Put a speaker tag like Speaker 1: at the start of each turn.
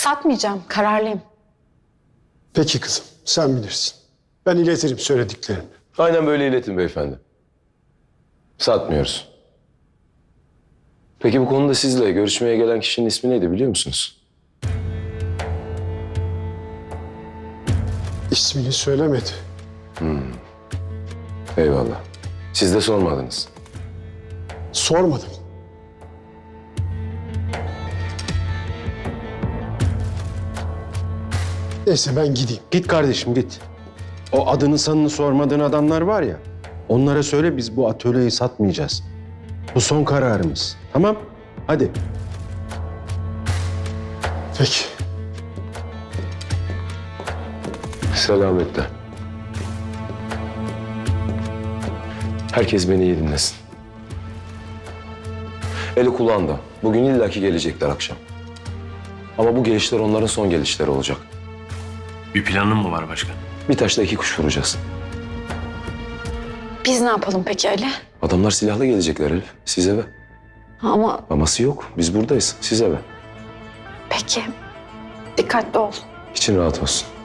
Speaker 1: Satmayacağım, kararlıyım.
Speaker 2: Peki kızım, sen bilirsin. Ben iletirim söylediklerini.
Speaker 3: Aynen böyle iletin beyefendi. Satmıyoruz. Peki bu konuda sizle görüşmeye gelen kişinin ismi neydi biliyor musunuz?
Speaker 2: İsmini söylemedi.
Speaker 3: Eyvallah. Siz de sormadınız.
Speaker 2: Sormadım. Neyse ben gideyim.
Speaker 4: Git kardeşim git. O adını sanını sormadığın adamlar var ya. Onlara söyle biz bu atölyeyi satmayacağız. Bu son kararımız. Tamam? Hadi.
Speaker 2: Peki.
Speaker 3: Selametle. Herkes beni iyi dinlesin. Eli kulağında. Bugün illaki gelecekler akşam. Ama bu gelişler onların son gelişleri olacak.
Speaker 5: Bir planın mı var başkan?
Speaker 3: Bir taşla iki kuş vuracağız.
Speaker 1: Biz ne yapalım peki Ali?
Speaker 3: Adamlar silahlı gelecekler Elif. Siz eve.
Speaker 1: Ama
Speaker 3: Aması yok. Biz buradayız. Siz eve.
Speaker 1: peki, dikkatli ol.
Speaker 3: İçin rahat olsun.